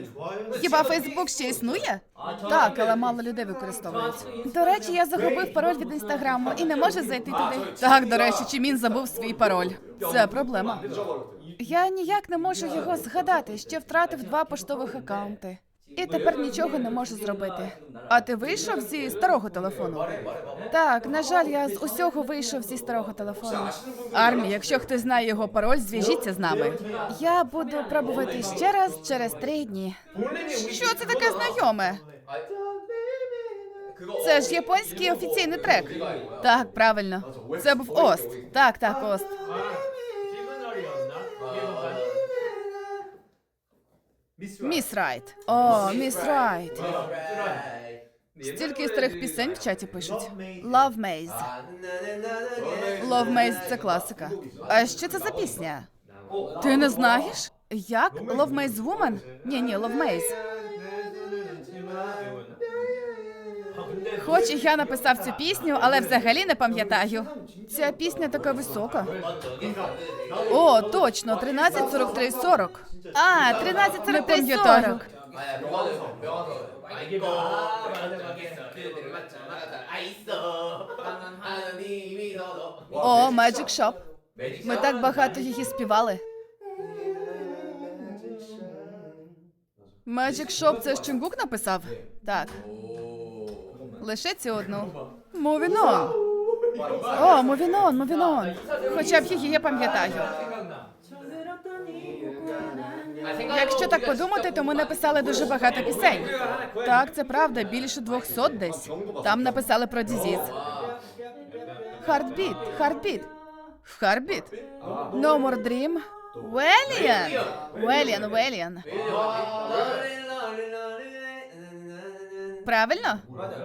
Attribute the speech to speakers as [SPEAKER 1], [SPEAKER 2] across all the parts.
[SPEAKER 1] Хіба Фейсбук ще існує? Так, але мало людей використовують. До речі, я загубив пароль від Інстаграму і не можу зайти туди. Так, до речі, Чимін забув свій пароль. Це проблема. Я ніяк не можу його згадати, ще втратив 2 поштових акаунти. І тепер нічого не можу зробити. А ти вийшов зі старого телефону? Так, на жаль, я з усього вийшов зі старого телефону. Армі, якщо хтось знає його пароль, зв'яжіться з нами. Я буду пробувати ще раз через 3 дні. Що це таке знайоме? Це ж японський офіційний трек. Так, правильно. Це був Ост. Так, Ост. Міс Райт. О, Міс Райт. Стільки старих пісень в чаті пишуть. Love Maze. Love Maze – це класика. А що це за пісня? Ти не знаєш? Як? Love Maze Woman? Ні, Love Maze. Хоч і я написав цю пісню, але взагалі не пам'ятаю. Ця пісня така висока. О, точно, 13:43:40. А, 13:43:40. О, Magic Shop. Ми так багато її співали. Magic Shop – це ж Чунгук написав? Так. Лише цю одну. Moving on. О, Moving on. Хоча б її я пам'ятаю. Якщо так подумати, то ми написали дуже багато пісень. Так, це правда, більше 200 десь. Там написали про дізіз. Heartbeat. No More Dream. Вэлиан. Правильно?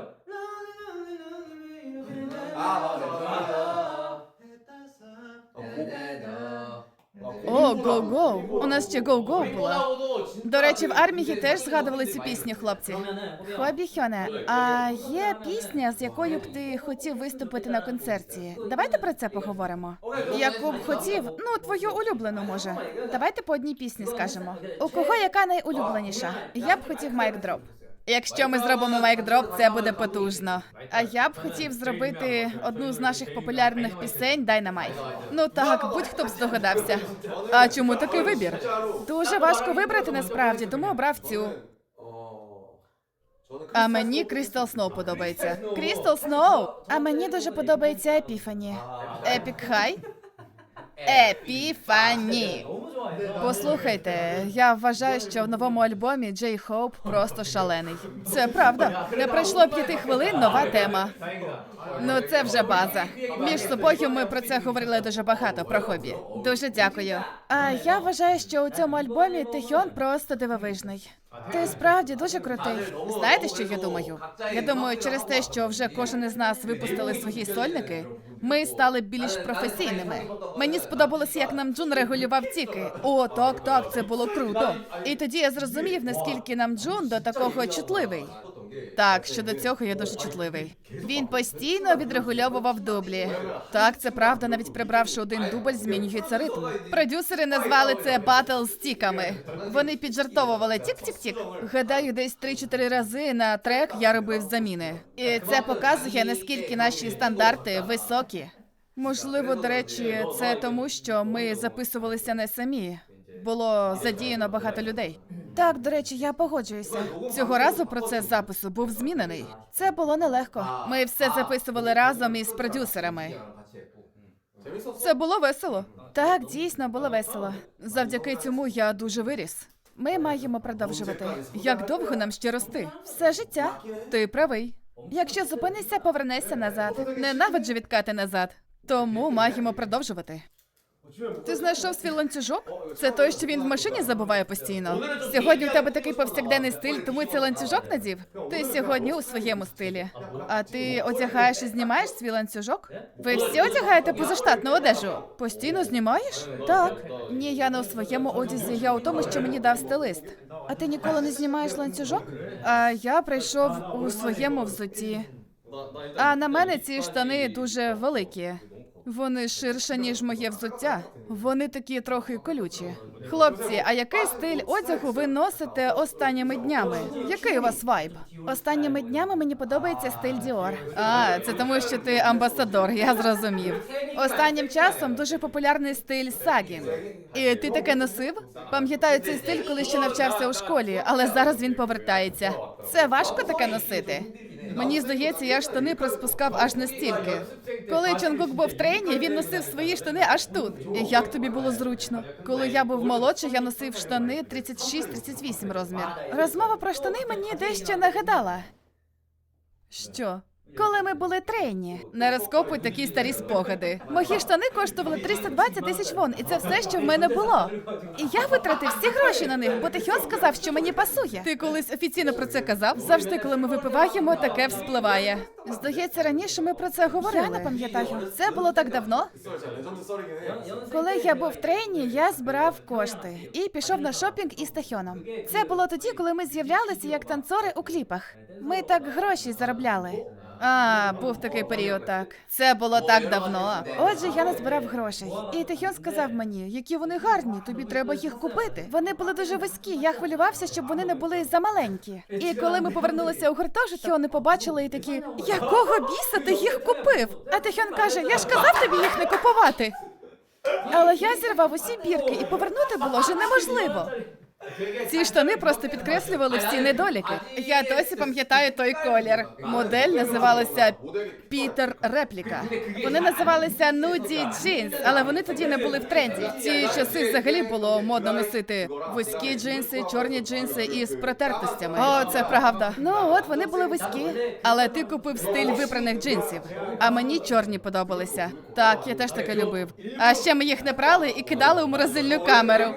[SPEAKER 1] О, Go-Go. У нас ще Go-Go була. До речі, в армії теж згадували цю пісню, хлопці. Хобі Хьоне, а є пісня, з якою б ти хотів виступити на концерті? Давайте про це поговоримо. Яку б хотів? Ну, твою улюблену, може. Давайте по одній пісні скажемо. У кого яка найулюбленіша? Я б хотів Mic Drop. Якщо ми зробимо Mic Drop, це буде потужно. А я б хотів зробити одну з наших популярних пісень Dynamite. Ну так, будь-хто б здогадався. А чому такий вибір? Дуже важко вибрати насправді, тому обрав цю. А мені Crystal Snow подобається. Crystal Snow? А мені дуже подобається Epiphany. Epic High? Епіфані. Послухайте, я вважаю, що в новому альбомі Джей Хоуп просто шалений. Це правда. Не пройшло 5 хвилин, нова тема. Ну це вже база. Між собою ми про це говорили дуже багато, про хобі. Дуже дякую. А я вважаю, що у цьому альбомі Тихьон просто дивовижний. Ти справді дуже крутий. Знаєте, що я думаю? Я думаю, через те, що вже кожен із нас випустили свої сольники, ми стали більш професійними. Мені сподобалося, як Намджун регулював тіки. О, так, це було круто. І тоді я зрозумів, наскільки Намджун до такого чутливий. Так, щодо цього я дуже чутливий. Він постійно відрегульовував дублі. Так, це правда, навіть прибравши один дубль, змінюється ритм. Продюсери назвали це батл з тіками. Вони піджартовували тік-тік-тік. Гадаю, десь 3-4 рази на трек я робив заміни. І це показує, наскільки наші стандарти високі. Можливо, до речі, це тому, що ми записувалися не самі. Було задіяно багато людей. Так, до речі, я погоджуюся. Цього разу процес запису був змінений. Це було нелегко. Ми все записували разом із продюсерами. Це було весело. Так, дійсно, було весело. Завдяки цьому я дуже виріс. Ми маємо продовжувати. Як довго нам ще рости? Все життя. Ти правий. Якщо зупинишся, повернешся назад. Ненавиджу відкати назад. Тому маємо продовжувати. Ти знайшов свій ланцюжок? Це той, що він в машині забуває постійно? Сьогодні у тебе такий повсякденний стиль, тому цей ланцюжок надів? Ти сьогодні у своєму стилі. А ти одягаєш і знімаєш свій ланцюжок? Ви всі одягаєте позаштатну одежу? Постійно знімаєш? Так. Ні, я не у своєму одязі, я у тому, що мені дав стилист. А ти ніколи не знімаєш ланцюжок? А я прийшов у своєму взутті. А на мене ці штани дуже великі. Вони ширше, ніж моє взуття. Вони такі трохи колючі. Хлопці, а який стиль одягу ви носите останніми днями? Який у вас вайб? Останніми днями мені подобається стиль Dior. А, це тому, що ти амбасадор, я зрозумів. Останнім часом дуже популярний стиль сагінг. І ти таке носив? Пам'ятаю цей стиль, коли ще навчався у школі, але зараз він повертається. Це важко таке носити? Мені здається, я штани приспускав аж настільки. Коли Чонгук був в трені, він носив свої штани аж тут. І як тобі було зручно? Коли я був молодший, я носив штани 36-38 розмір. Розмова про штани мені дещо нагадала. Що? Коли ми були трені. Не розкопуй такі старі спогади. Мої штани коштували 320 тисяч вон, і це все, що в мене було. І я витратив всі гроші на них, бо Тихьон сказав, що мені пасує. Ти колись офіційно про це казав? Завжди, коли ми випиваємо, таке вспливає. Здається, раніше ми про це говорили. Я не пам'ятаю. Це було так давно. Коли я був в трені, я збирав кошти і пішов на шопінг із Тахьоном. Це було тоді, коли ми з'являлися як танцори у кліпах. Ми так гроші заробляли. А, був такий період, так. Це було так давно. Отже, я назбирав грошей. І Тихьон сказав мені, які вони гарні, тобі треба їх купити. Вони були дуже вузькі, я хвилювався, щоб вони не були замаленькі. І коли ми повернулися у гуртожиток, вони побачили і такі, якого біса ти їх купив? А Тихьон каже, я ж казав тобі їх не купувати. Але я зірвав усі бірки, і повернути було вже неможливо. Ці штани просто підкреслювали всі недоліки. Я досі пам'ятаю той колір. Модель називалася Пітер Репліка. Вони називалися Нуді Джинс, але вони тоді не були в тренді. В ці часи взагалі було модно носити вузькі джинси, чорні джинси із протертостями. О, це правда. Ну от, вони були вузькі. Але ти купив стиль випраних джинсів. А мені чорні подобалися. Так, я теж таке любив. А ще ми їх не прали і кидали у морозильну камеру.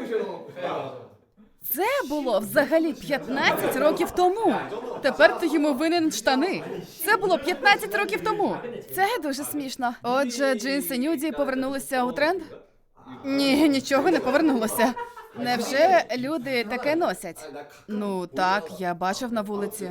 [SPEAKER 1] Це було взагалі 15 років тому. Тепер ти йому винен штани. Це було 15 років тому. Це дуже смішно. Отже, джинси Нюді повернулися у тренд? Ні, нічого не повернулося. Невже люди таке носять? Ну так, я бачив на вулиці.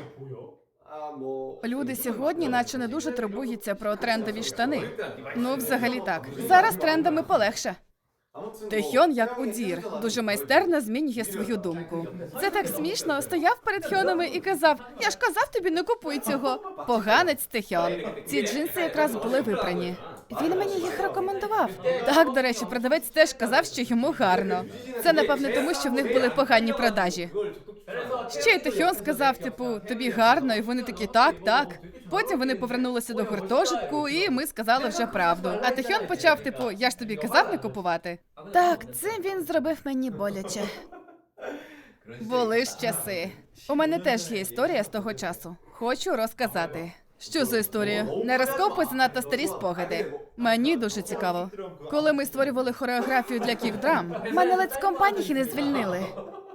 [SPEAKER 1] Люди сьогодні наче не дуже турбуються про трендові штани. Ну, взагалі так. Зараз трендами полегше. Тихьон, як удір, дуже майстерно змінює свою думку. Це так смішно. Стояв перед Хьонами і казав, я ж казав тобі, не купуй цього. Поганець Тихьон. Ці джинси якраз були випрані. Він мені їх рекомендував. Так, до речі, продавець теж казав, що йому гарно. Це, напевне, тому, що в них були погані продажі. Ще й Тихьон сказав, типу, тобі гарно, і вони такі, так, так. Потім вони повернулися до гуртожитку, і ми сказали вже правду. А Тихьон почав, типу, я ж тобі казав не купувати. Так, цим він зробив мені боляче. Були ж часи. У мене теж є історія з того часу. Хочу розказати. Що за історія? Не розкопуй занадто старі спогади. Мені дуже цікаво. Коли ми створювали хореографію для кік-драм, мене ледь з компанії не звільнили.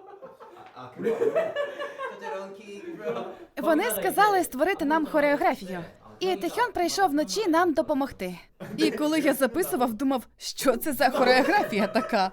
[SPEAKER 1] Вони сказали створити нам хореографію. І Тихьон прийшов вночі нам допомогти. І коли я записував, думав, що це за хореографія така?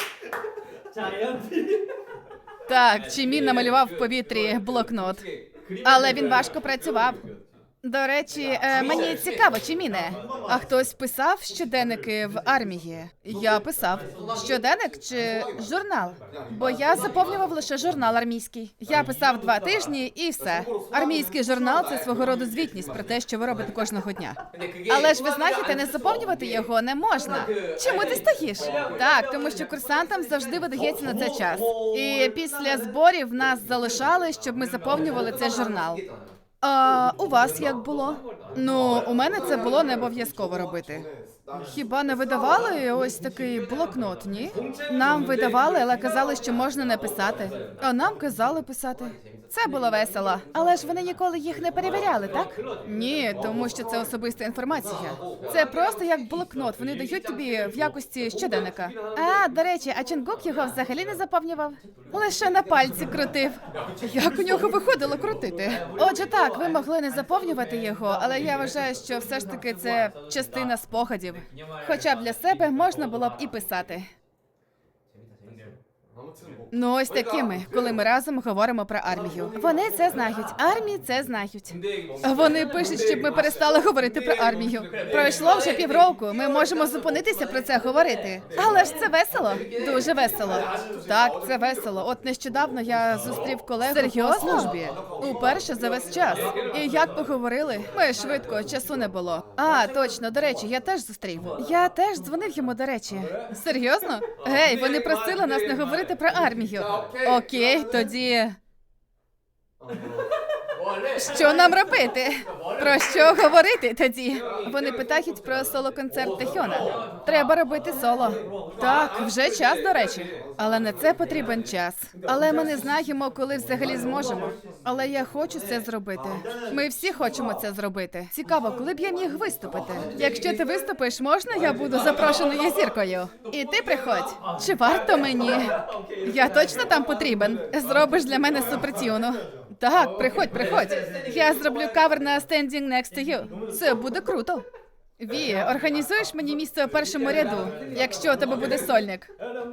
[SPEAKER 1] Так, Чімін намалював в повітрі блокнот. Але він важко працював. До речі, мені цікаво, Чіміне, а хтось писав щоденники в армії? Я писав. Щоденник чи журнал? Бо я заповнював лише журнал армійський. Я писав 2 тижні і все. Армійський журнал – це свого роду звітність про те, що ви робите кожного дня. Але ж ви знаєте, не заповнювати його не можна. Чому ти стоїш? Так, тому що курсантам завжди видається на це час. І після зборів нас залишали, щоб ми заповнювали цей журнал. А у вас як було? Ну, у мене це було не обов'язково робити. Хіба не видавали ось такий блокнот, ні? Нам видавали, але казали, що можна не писати. А нам казали писати. Це було весело. Але ж вони ніколи їх не перевіряли, так? Ні, тому що це особиста інформація. Це просто як блокнот, вони дають тобі в якості щоденника. А, до речі, а Чонгук його взагалі не заповнював? Лише на пальці крутив. Як у нього виходило крутити? Отже так, ви могли не заповнювати його, але я вважаю, що все ж таки це частина спогадів. Хоча б для себе можна було б і писати. Ну, ось такими, коли ми разом говоримо про армію. Вони це знають. Армії це знають. Вони пишуть, щоб ми перестали говорити про армію. Пройшло вже півроку. Ми можемо зупинитися про це говорити. Але ж це весело. Дуже весело. Так, це весело. От нещодавно я зустрів колегу по службі. Уперше за весь час. І як поговорили? Ми швидко, часу не було. А, точно, до речі, я теж зустрів. Я теж дзвонив йому, до речі. Серйозно? Гей, вони просили нас не говорити про армію. Окей, тоді... Що нам робити? Про що говорити тоді? Вони питають про соло-концерт Тахьона. Треба робити соло. Так, вже час, до речі. Але на це потрібен час. Але ми не знаємо, коли взагалі зможемо. Але я хочу це зробити. Ми всі хочемо це зробити. Цікаво, коли б я міг виступити? Якщо ти виступиш, можна я буду запрошеною зіркою? І ти приходь. Чи варто мені? Я точно там потрібен? Зробиш для мене супертюну. Так, приходь. Я зроблю кавер на Standing Next to You. Це буде круто. Ві, організуєш мені місце у першому ряду, якщо у тебе буде сольник?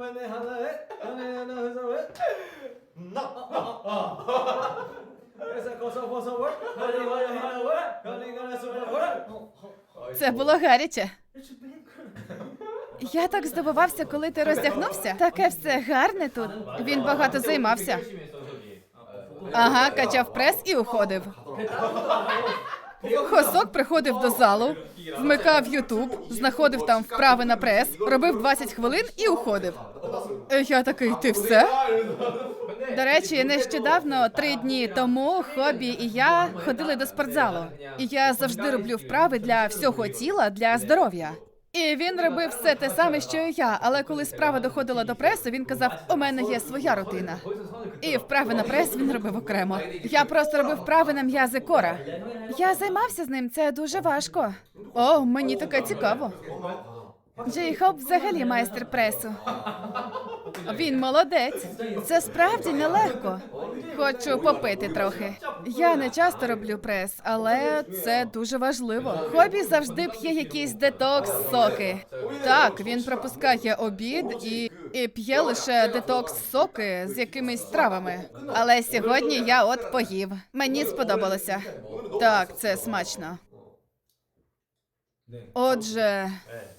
[SPEAKER 1] Це було гаряче. Я так здивувався, коли ти роздягнувся. Таке все гарне тут. Він багато займався. Ага, качав прес і уходив. Хосок приходив до залу, вмикав YouTube, знаходив там вправи на прес, робив 20 хвилин і уходив. Я такий, ти все? До речі, нещодавно, 3 дні тому, Хобі і я ходили до спортзалу. І я завжди роблю вправи для всього тіла, для здоров'я. І він робив все те саме, що і я, але коли справа доходила до пресу, він казав, у мене є своя рутина. І вправи на прес він робив окремо. Я просто робив вправи на м'язи кора. Я займався з ним, це дуже важко. О, мені таке цікаво. Джей Хоуп взагалі майстер пресу. Він молодець. Це справді нелегко. Хочу попити трохи. Я не часто роблю прес, але це дуже важливо. Хобі завжди п'є якісь детокс-соки. Так, він пропускає обід і п'є лише детокс-соки з якимись травами. Але сьогодні я от поїв. Мені сподобалося. Так, це смачно. Отже...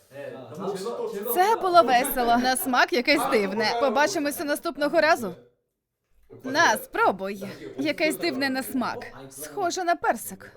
[SPEAKER 1] Це було весело. На смак якесь дивне. Побачимося наступного разу. На, спробуй. Якесь дивне на смак. Схоже на персик.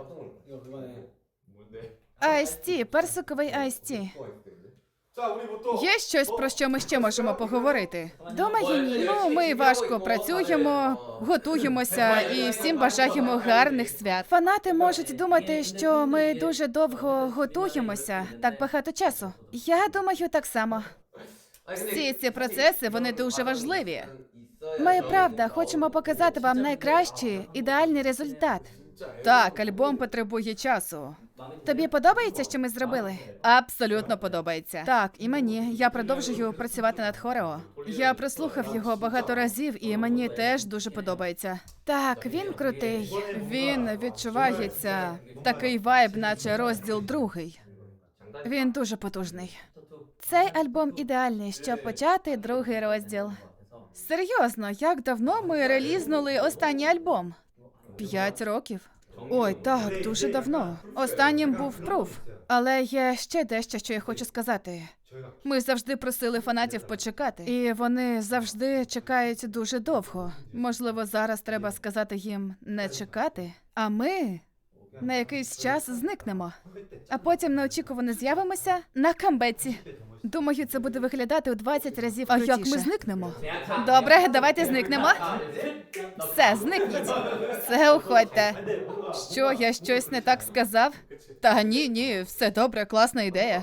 [SPEAKER 1] Айс-ті, персиковий айс-ті. Є щось, про що ми ще можемо поговорити? Думаю, ні. Ну, ми важко працюємо, готуємося і всім бажаємо гарних свят. Фанати можуть думати, що ми дуже довго готуємося, так багато часу. Я думаю, так само. Всі ці процеси, вони дуже важливі. Ми, правда, хочемо показати вам найкращий, ідеальний результат. Так, альбом потребує часу. Тобі подобається, що ми зробили? Абсолютно подобається. Так, і мені. Я продовжую працювати над хорео. Я прослухав його багато разів, і мені теж дуже подобається. Так, він крутий. Він відчувається такий вайб, наче розділ 2. Він дуже потужний. Цей альбом ідеальний, щоб почати 2-й розділ. Серйозно, як давно ми релізнули останній альбом? 5 років. Ой, так, дуже давно. Останнім був Proof. Але є ще дещо, що я хочу сказати. Ми завжди просили фанатів почекати. І вони завжди чекають дуже довго. Можливо, зараз треба сказати їм не чекати. А ми на якийсь час зникнемо. А потім неочікувано з'явимося на камбеці. Думаю, це буде виглядати у 20 разів крутіше. А як ми зникнемо? Добре, давайте зникнемо. Все, зникніть. Все, уходьте. Що, я щось не так сказав? Та ні, все добре, класна ідея.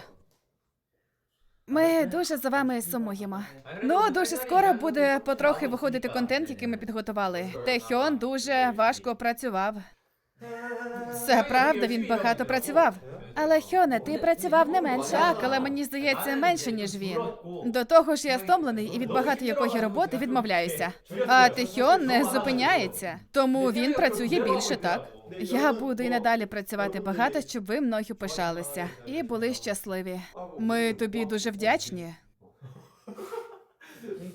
[SPEAKER 1] Ми дуже за вами сумуємо. Ну, дуже скоро буде потрохи виходити контент, який ми підготували. Тахьон дуже важко працював. Це правда, він багато працював. Але, Хьоне, ти працював не менше. Так, але мені здається, менше, ніж він. До того ж, я стомлений і від багато якої роботи відмовляюся. А Тахьон не зупиняється, тому він працює більше, так? Я буду і надалі працювати багато, щоб ви мною пишалися. І були щасливі. Ми тобі дуже вдячні.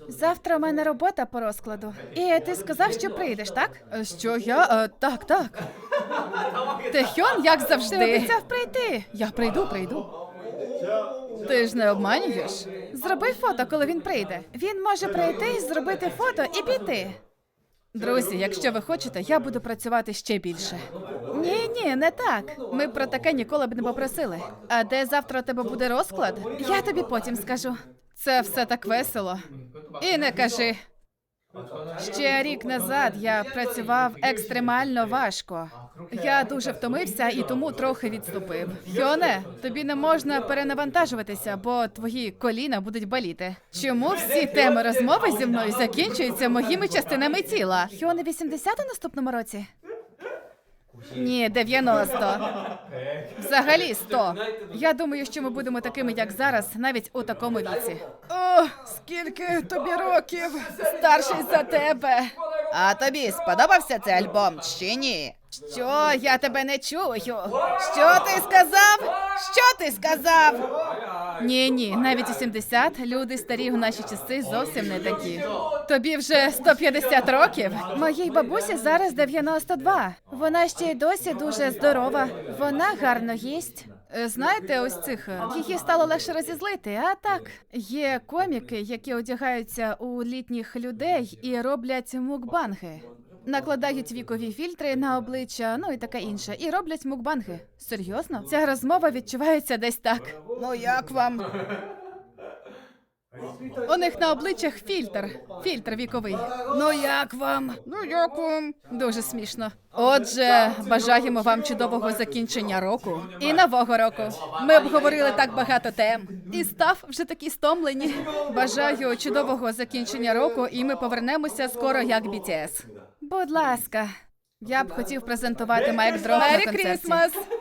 [SPEAKER 1] Завтра у мене робота по розкладу. І ти сказав, що прийдеш, так? Що я? Так. Техьон, як завжди. Ти обіцяв прийти. Я прийду. Ти ж не обманюєш? Зроби фото, коли він прийде. Він може прийти, зробити фото і піти. Друзі, якщо ви хочете, я буду працювати ще більше. Ні, не так. Ми про таке ніколи б не попросили. А де завтра у тебе буде розклад? Я тобі потім скажу. Це все так весело. І не кажи. Ще рік назад я працював екстремально важко. Я дуже втомився і тому трохи відступив. Хьоне, тобі не можна перенавантажуватися, бо твої коліна будуть боліти. Чому всі теми розмови зі мною закінчуються моїми частинами тіла? Хьоне 80 у наступному році? Ні, 90. Взагалі 100. Я думаю, що ми будемо такими, як зараз, навіть у такому віці. О, скільки тобі років? Старший за тебе. А тобі сподобався цей альбом чи ні? Що? Я тебе не чую. Що ти сказав? Що ти сказав? Ні, навіть у 70 люди старі у наші часи зовсім не такі. Тобі вже 150 років? Моїй бабусі зараз 92. Вона ще й досі дуже здорова. Вона гарно їсть. Знаєте, ось цих, її стало легше розізлити, а так. Є коміки, які одягаються у літніх людей і роблять мукбанги. Накладають вікові фільтри на обличчя, ну і таке інше. І роблять мукбанги. Серйозно? Ця розмова відчувається десь так. Ну як вам? У них на обличчях фільтр віковий. Ну як вам? Дуже смішно. Отже, бажаємо вам чудового закінчення року і нового року. Ми обговорили так багато тем. І став вже такі стомлені. Бажаю чудового закінчення року, і ми повернемося скоро як BTS. Будь ласка. Я б хотів презентувати Майк Дров на концерті.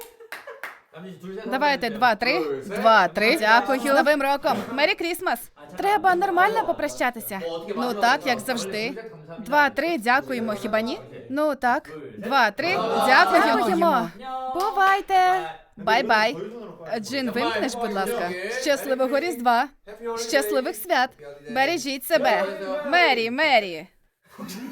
[SPEAKER 1] Давайте 2-3. 2-3. Дякую. З Новим роком. Мері Крісмас. Треба нормально попрощатися. Ну так, як завжди. 2-3. Дякуємо, хіба ні? Ну так. 2-3. Дякуємо. Бувайте. Бай-бай. Джин, вимкнеш, будь ласка. Щасливого Різдва. Щасливих свят. Бережіть себе. Мері.